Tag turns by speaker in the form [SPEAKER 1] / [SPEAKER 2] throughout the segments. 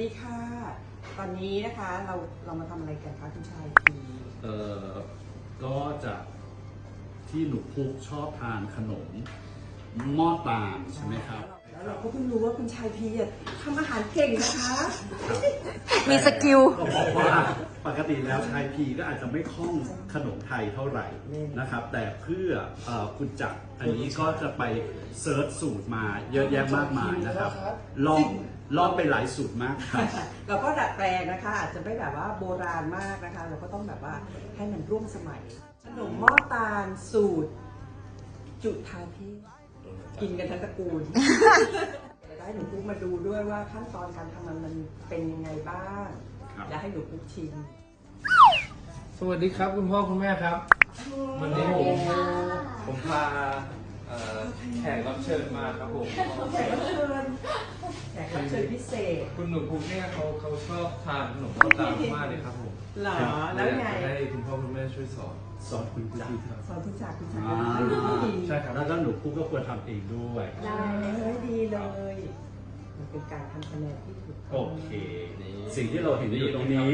[SPEAKER 1] ดีค่ะตอนนี้นะคะเรามาทำอะไรกันคะคุณชายพี
[SPEAKER 2] ก็จะที่หนูพุกชอบทานขนมหม้อตาลใช่ไหมครับ
[SPEAKER 1] แล้วเราก็เพิ่งรู้ว่าคุณชายพีทำอาหารเก่งนะคะ
[SPEAKER 3] มีสกิล
[SPEAKER 2] ก็บอกว่าปกติแล้วชายพีก็อาจจะไม่คล่องขนมไทยเท่าไหร่นะครับ แต่เพื่อคุณจักรอันนี้ก็จะไปเซิร์ชสูตรมาเยอะแยะมากมายนะครับลองไปหลายสูตรมากครับ
[SPEAKER 1] เราก็ดัดแปลงนะคะอาจจะไม่แบบว่าโบราณมากนะคะเราก็ต้องแบบว่าให้มันร่วมสมัยขนมหม้อตาลสูตรจุฑาเทพกินกันทั้งตระกูลได้หนูปุ๊กมาดูด้วยว่าขั้นตอนการทำมันเป็นยังไงบ้างและให้หนูปุ๊กชิม
[SPEAKER 4] สวัสดีครับคุณพ่อคุณแม่ครับวันนี้ผมพาแขกรับเชิญมาครับผม
[SPEAKER 1] แขกรับเชิญพิเศษ
[SPEAKER 4] คุณหนุ่มภูมิเนี่ยเขาชอบทานขนมข้าวตาลมากเลยครับผม
[SPEAKER 1] หรอแล้วไง
[SPEAKER 4] ให้คุณพ่อคุณแม่ช่วยสอน
[SPEAKER 2] คุณจักร
[SPEAKER 1] สอนคุณจักร
[SPEAKER 2] ใช่ครับแล้วหนูพุกก็ควรทำเองด้วย
[SPEAKER 1] ได้ดีเลยมันเป็นการทำคะแนนที่ถูก
[SPEAKER 2] โอเคสิ่งที่เราเห็นอยู่ตรงนี้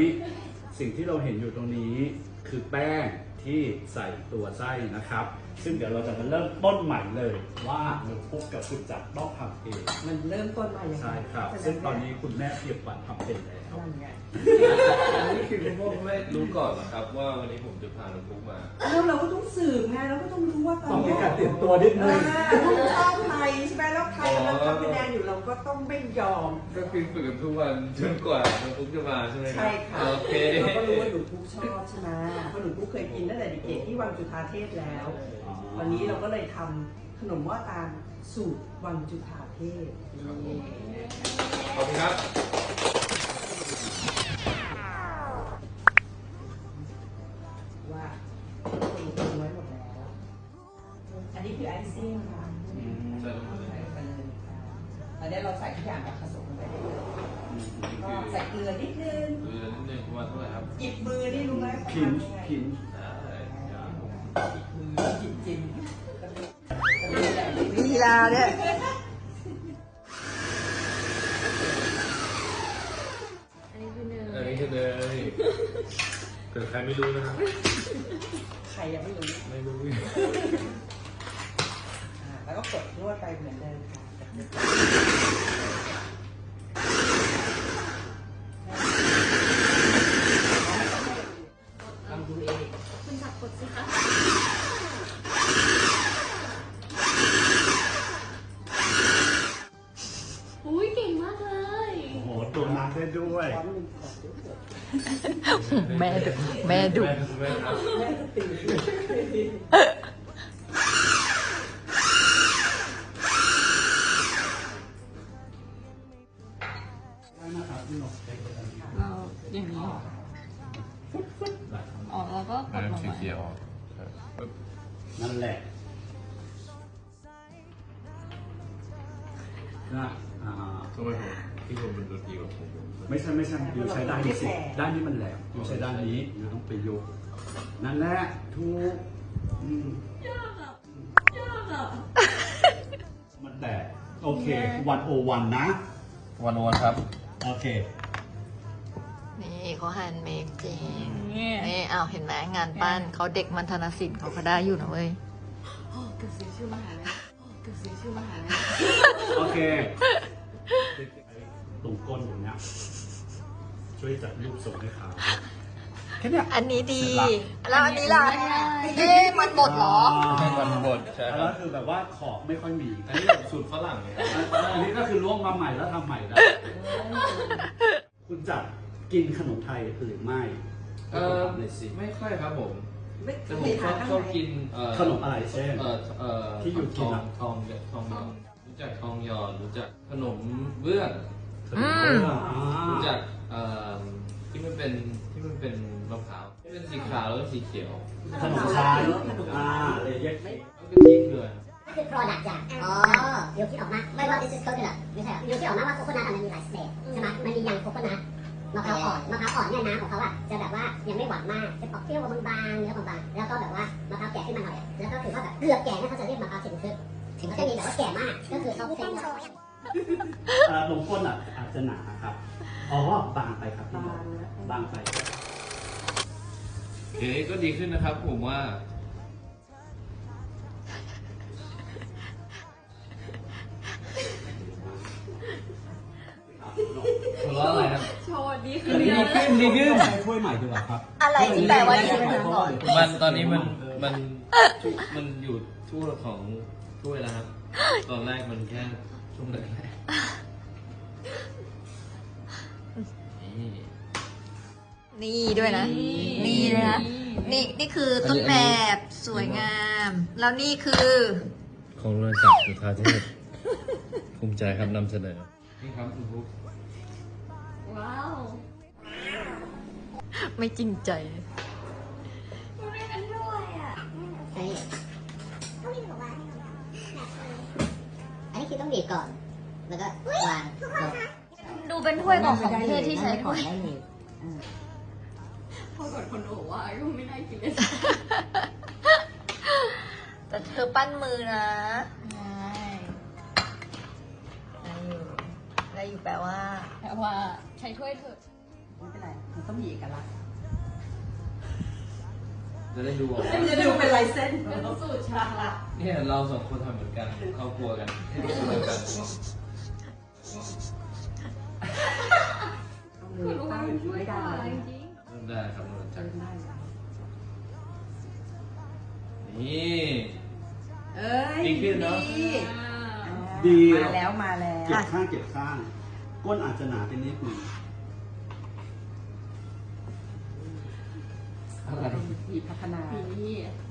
[SPEAKER 2] คือแป้งที่ใส่ตัวไส้นะครับซึ่งเดี๋ยวเราจะมาเริ่มต้นใหม่เลยว่าหนูพุกกับคุณจักรต้องทำเอง
[SPEAKER 1] มันเริ่มต้นใหม่
[SPEAKER 2] ใช่ครับซึ่งตอนนี้คุณแม่เตรียมวันทำเป็นแล้ว
[SPEAKER 4] อันนี้คือคุณพ่อคุณแม่รู้ก่อนเหรอครับว่าวันนี้ผมจะพาน้องพุกมา
[SPEAKER 1] แล้วเราก็ต้องสืบไงเราก็ต้องรู้ว่า
[SPEAKER 2] ต้องมีการเตรียมตัวนิดนึง
[SPEAKER 1] ชอบไทยใช่ไหมแล้วไทยกำลังทำคะแนนอยู่เราก็ต้องไม่ยอม
[SPEAKER 4] ก็คือฝึกกันทุกวันจนกว่าน้องพุกจะมาใช่ไหมครับ
[SPEAKER 1] ใช่ค่ะ
[SPEAKER 4] โอเค
[SPEAKER 1] เราก็รู้ว่าหนูพุกชอบใช่ไหมเพราะหนูพุกเคยกินตั้งแต่เด็กๆที่วังจุฑาเทพแล้ววันนี้เราก็เลยทำขนมหม้อตาลสูตรวังจุฑาเทพ
[SPEAKER 4] ขอบคุณครับ
[SPEAKER 1] ว่าตีไว้หมดแล้วอันนี้คือไอซิ่งค่ะ
[SPEAKER 4] ใส่ลงไปเลย
[SPEAKER 1] อันนี้เราใส่ทุกอย่างแบบผสมลงไปได้เลยก็ใส่เกลือนิดนึง
[SPEAKER 4] ประมาณเท่าไหร่ครับ
[SPEAKER 1] หยิบมือนี่รู้ไหม
[SPEAKER 2] พิน
[SPEAKER 1] หยิบมือหยิบจิ้ม
[SPEAKER 3] ลีลาเนี่ย
[SPEAKER 4] อันนี้คือเนยเกิดใครไม่รู้นะครับ
[SPEAKER 1] ใครยังไม่รู้แล้วก็กดนวดไปเหมือนเดิมค่ะทำดูเอง
[SPEAKER 5] คุณจับกดสิคะอุ้ยเก่งมากเลย
[SPEAKER 2] โอ้โหตัวน้ำได้ด้วย
[SPEAKER 3] แม่ดุ
[SPEAKER 1] แม่ตี
[SPEAKER 5] เราอย่างนี้อ๋อแล้วก็กดลงมา
[SPEAKER 2] นั่นแหละนะ
[SPEAKER 4] ทำไมผมที่ผมเป็นตัวทีกับผม
[SPEAKER 2] ไม่ใช่อยู่ใช้ด้านนี้สิด้านนี้มันแหลมอยู่ใช้ด้านนี้อยู่ต้องไปยกนั่นแหละถูก
[SPEAKER 5] ยากอ่ะ
[SPEAKER 2] มันแตกโอเค101นะ
[SPEAKER 4] 101ครับ
[SPEAKER 2] โอเค
[SPEAKER 3] นี่เขาแฮนด์เมดจริงนี่เอาเห็นไหมงานปั้นเขาเด็กมัธนศิลป์เขาได้อยู่นะเว้ย
[SPEAKER 5] เกือบเสียชื่อมหาลัย
[SPEAKER 2] โอเคตรงก้นตรงนี้ช่วยจัดรูปส่งให้เขาแค่นี้
[SPEAKER 3] อันนี้ดีแล้วอันนี้ล่ะมันบดเหรอ
[SPEAKER 4] มันบดใช่
[SPEAKER 2] แล้วคือแบบว่าขอบไม่ค่อยมี
[SPEAKER 4] อันนี้แบบสูตรฝรั่งเลย
[SPEAKER 2] อันนี้ก็คือล่วงมาใหม่แล้วทำใหม่แล้วคุณจัดกินขนมไทยหรือไม่
[SPEAKER 4] ไม่ค่อยครับผมแต่ผมชอบกิน
[SPEAKER 2] ขนมอะไรเช่นที่อยู่กิน
[SPEAKER 4] ทองรู้จักทองหยอดรู้จักขนมเบื้องรู้จักที่มันเป็นมะพร้าวที่เป็นสีขาวแล้วก็สีเขียว
[SPEAKER 2] ขนมชาเลยแยก
[SPEAKER 4] ก็คือพริกเลย
[SPEAKER 6] ก็คือ product จากเดี๋ยวคิดออกมาไม่ว่า this is coconut ไม่ใช่เดี๋ยวคิดออกมาว่าโคโคนัทมันมีหลายสเตจใช่ไหมมันมียังโคโคนัทมะพร้าวอ่อนเนี่ยน้ำของเขาอะจะแบบว่ายังไม่หวานมากจะออกเปรี้ยวบางๆเนื้อบางๆแล้วก็แบบว่ามะพร้าวแก่ขึ้นมาหน่อยแล้วก็คือว่าแบบเกือบแก่เนี่ยเขาจะเรียกมะพร้าวถึงจะมีแบบว่าแก่มากก็คือเขาเป็น
[SPEAKER 2] นมข้นอาจจะหนาครับอ๋อบางไปครับพี่นก
[SPEAKER 1] บางนะ
[SPEAKER 2] บางไป
[SPEAKER 4] โอเคก็ดีขึ้นนะครับผมว่า หัวเราะอะไรครับ
[SPEAKER 5] โชว์ดีขึ้
[SPEAKER 2] อั
[SPEAKER 5] น
[SPEAKER 2] นนี้
[SPEAKER 5] เย
[SPEAKER 2] ดี
[SPEAKER 5] อะ
[SPEAKER 2] ขึ้นดีขึ้นใช้ถ้วยใหม่ดีกว่าครับ
[SPEAKER 3] อะไรที่แปลว่าดีขึ้นก่อน
[SPEAKER 4] มันตอนนี้มันอยู่ทั่วของถ้วยแล้วครับ ตอนแรกมันแค่ช่วงแรกๆนี่
[SPEAKER 3] นี่ด้วยนะ นี่เลยนะ นี่คือต้นแบบสวยงาม แล้วนี่คือ
[SPEAKER 4] ของเรือนจักรจุฑาเทพ ภูมิใจครับนำเสนอ นี่ครับคุณบุ๊ก
[SPEAKER 5] ว้าว
[SPEAKER 3] ไม่จริงใจ
[SPEAKER 5] มันไม่กันด้วยอ่ะ
[SPEAKER 6] ใช่อันนี้คือต้องบีบก่อน แล้วก็วางลง
[SPEAKER 3] ดูเป็นถ้วยของเทศที่ใช้ถ้วย
[SPEAKER 5] พอกดคนโอว่าก็ไม่ได้กินเลย
[SPEAKER 3] แต่เธอปั้นมือนะได้อยู่แปลว่า
[SPEAKER 5] แต่ว่าใช้ถ้วยเถอะ
[SPEAKER 1] ไม่เป็นไร มันต้องมีเอกลักษณ์
[SPEAKER 4] จะได้ดูออก
[SPEAKER 1] มันจะดูเป็นลายเส้น
[SPEAKER 5] เป็นสูตรชาละ
[SPEAKER 4] เนี่ยเราสองคนทำเหมือนกันเข้าครัวกันให้ดูเหมือนกัน
[SPEAKER 1] เอามือตั้งอยู่ไม่ได้
[SPEAKER 5] จริง
[SPEAKER 4] เริ่มได้ครับเรือนจักร
[SPEAKER 1] ได้
[SPEAKER 4] นี่
[SPEAKER 1] เอ้ย
[SPEAKER 4] ดีขึ้นเนอะ
[SPEAKER 1] ดี
[SPEAKER 2] ดี
[SPEAKER 1] มาแล้วมาแล้ว
[SPEAKER 2] เก็บข้างเก็บข้าง ก้นอาจจะหนาเป็นนิดหนึง
[SPEAKER 4] อะไร
[SPEAKER 1] มีพัฒนา
[SPEAKER 5] ๆนี่